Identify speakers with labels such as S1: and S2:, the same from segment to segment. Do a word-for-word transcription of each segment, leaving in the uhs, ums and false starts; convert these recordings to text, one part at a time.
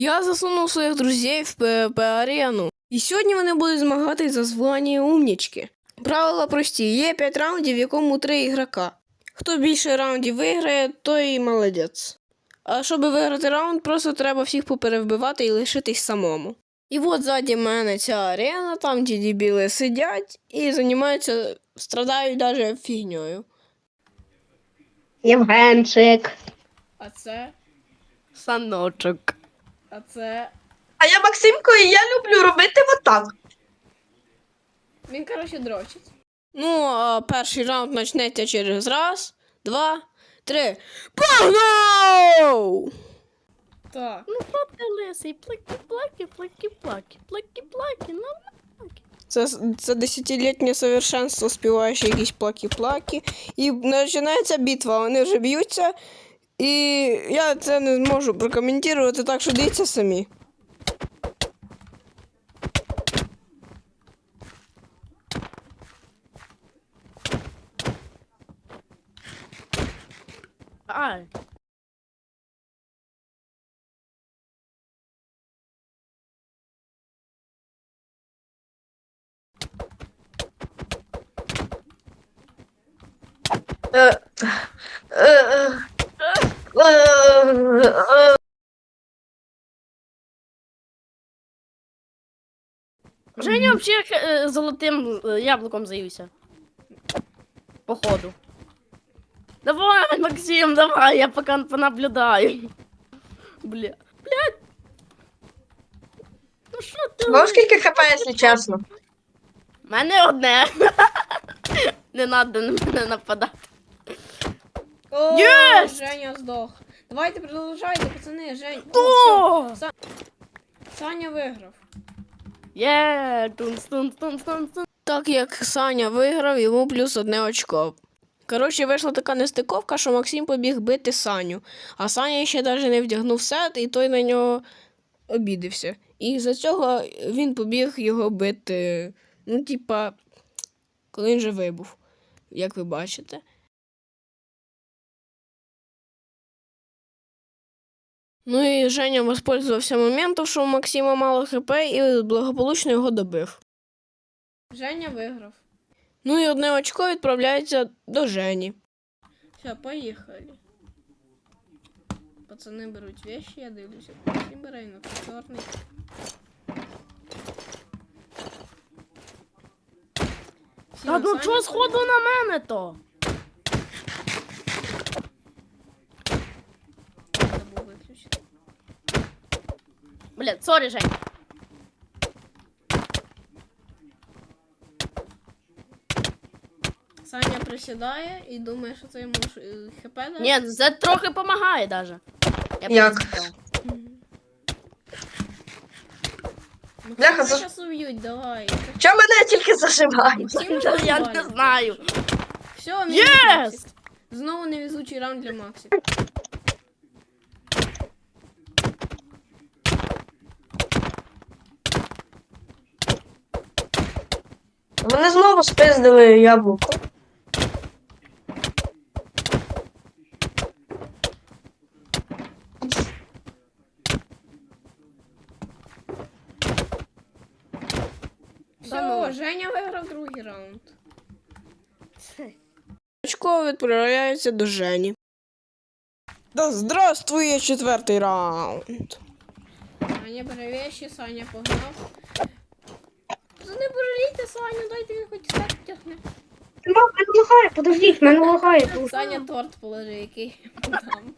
S1: Я засунув своїх друзів в пе ве пе-арену. І сьогодні вони будуть змагатись за звання умнічки. Правила прості. Є п'ять раундів, в якому три ігрока. Хто більше раундів виграє, той і молодець. А щоб виграти раунд, просто треба всіх поперевбивати і лишитись самому. І от ззаді мене ця арена, там ті дебіли сидять і займаються, страдають навіть фігньою.
S2: Євгенчик.
S1: А це?
S3: Саночок.
S1: А це?
S2: А я Максимко, і я люблю робити отак.
S1: Він, коротше, дрочить. Ну, а перший раунд почнеться через раз, два, три. Погнав! Так.
S3: Ну що ти лисий? Плакі-плаки, плакі-плаки, плакі-плаки, ну плаки.
S1: Це, це десятилітнє совершенство, співаючи якісь плаки-плаки. І починається битва, вони вже б'ються. І я це не зможу прокоментувати, так що дивіться самі.
S3: Ай.
S2: Е, е, е, е, е.
S3: Женя взагалі е, золотим е, яблуком заївся. Походу. Давай, Максим, давай, я пока понаблюдаю. Бля. Блядь. Ну що ти?
S2: Вам скільки хп, якщо чесно?
S3: У мене одне. Не надо на мене нападати.
S1: О,
S3: Єсть!
S1: Женя здох. Давайте продовжайте, пацани, Жень. О,
S3: О!
S1: все. Са- Саня виграв.
S3: Є, тунс, тунс, тунс, тунс, тунс.
S1: Так як Саня виграв, йому плюс одне очко. Коротше, вийшла така нестиковка, що Максим побіг бити Саню. А Саня ще навіть не вдягнув сет, і той на нього обідився. І за цього він побіг його бити. Ну, типа, коли він вже вибув, як ви бачите. Ну і Женя воспользувався моментом, що у Максима мало хп, і благополучно його добив. Женя виграв. Ну і одне очко відправляється до Жені. Все, поїхали. Пацани беруть вещи, я дивлюся. Всі бере на чорний. Всі
S3: Та
S1: на
S3: ну
S1: Саню
S3: чого сходу на мене то?
S1: забув виключити.
S3: Блядь, сорі, Жень.
S1: Саня присідає і думає, що це йому ж, е, хп дає.
S3: Ні, це трохи допомагає даже. Я
S2: Як?
S3: присідав.
S1: Ну,
S2: Бляха,
S1: Максима
S2: за-
S1: щас уб'ють, давай.
S2: Чого мене тільки заживають?
S1: Максима
S3: Я
S1: заживали.
S3: не знаю.
S1: Все, мінус
S3: Єс!
S1: Максик. Знову невезучий раунд для Максика.
S2: Вони знову спиздили яблуко.
S1: Все,
S3: ну.
S1: Женя виграв другий раунд. Очко відправляється до Жені. Да здравствує четвертий раунд. Саня бере вещи, Саня погнав. Не бороліться, Саню, дайте він хоч так тягне.
S2: Мене лагає, подождіть, мене лагає.
S1: Саня торт положи, який там.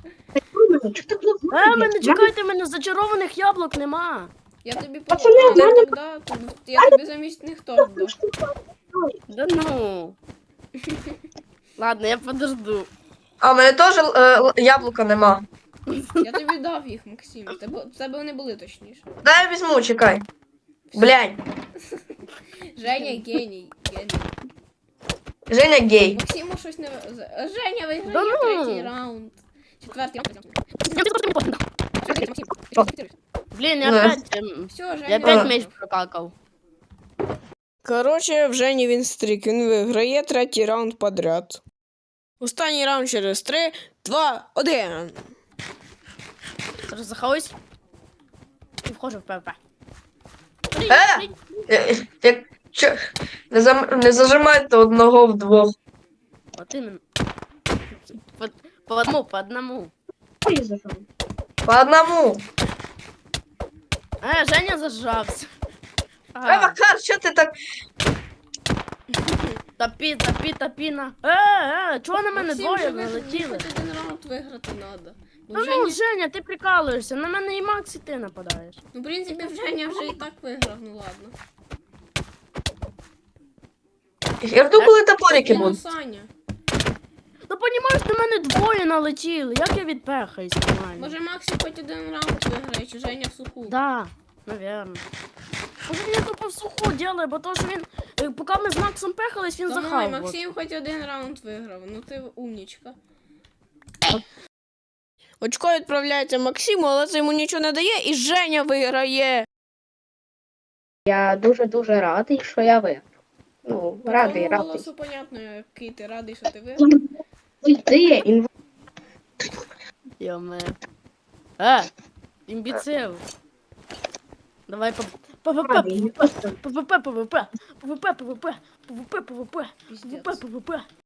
S3: Е, мене чекайте, мене зачарованих яблук нема.
S1: Я тобі
S2: Пацани,
S1: поможу.
S2: в мене-
S1: Да, я тобі замість них торт дав.
S3: Да ну. Ладно, я подожду.
S2: А в мене теж е, л- яблука нема.
S1: Я тобі дав їх, Максим. В тебе, в тебе вони були точніше.
S2: Дай я візьму, чекай. Блядь,
S1: Женя геній. Геній.
S2: Женя гей.
S1: Максиму щось не... в- з- Женя виграє
S3: Да ну!
S1: третій раунд. Четвертий раунд.
S3: Блін, я
S2: Ну.
S3: опять, ем,
S1: Все, Женя
S3: я
S1: виграв.
S3: опять меч прокакав.
S1: Коротше, в Жені він стрік. Він виграє третій раунд подряд. Останній раунд через три, два, один.
S3: Розахаюсь. заходжу в ПВП.
S2: Е! Е, Як чо? Не, зам... не зажимайте одного вдвох.
S3: Вот именно. По, по одному, по одному.
S2: По одному.
S3: Е, Женя зажався.
S2: Е,
S3: А,
S2: Макар, що ти так?
S3: топі, топі, топі на. Е, е, чого на мене
S1: Максим,
S3: двоє
S1: же ви-
S3: налетіли?
S1: хоч один раунд виграти треба. Бо
S3: Ну,
S1: вже
S3: ну,
S1: ні-
S3: Женя, ти прикалуєшся, на мене і Макс, і ти нападаєш.
S1: Ну, в принципі, Женя вже і так виграв, ну ладно.
S2: Я жду, коли топорики
S1: Ну,
S2: будуть.
S1: Саня.
S3: Ну, понімаєш, на мене двоє налетіли, як я відпехаюсь нормально?
S1: Може Максим хоч один раунд виграє, чи Женя в суху?
S3: Да, наверное. Може він тупо в суху делає, бо то, що він, е, поки ми з Максом пехались, він
S1: Давай,
S3: захав.
S1: Максим хоч один раунд виграв, ну ти умнічка. Очко відправляється Максиму, але це йому нічого не дає, і Женя виграє.
S4: Я дуже-дуже радий, що я виграв. Ну,
S1: По
S4: радий,
S1: твоєму
S4: радий.
S1: голосу понятно, який ти радий, що ти виграв.
S4: Йди, інв...
S3: Йоме. Е, імбіцил. Давай по ПВП,
S4: радий.
S3: ПВП, ПВП, ПВП, ПВП, ПВП, ПВП, ПВП,
S1: Піздець.
S3: ПВП, ПВП.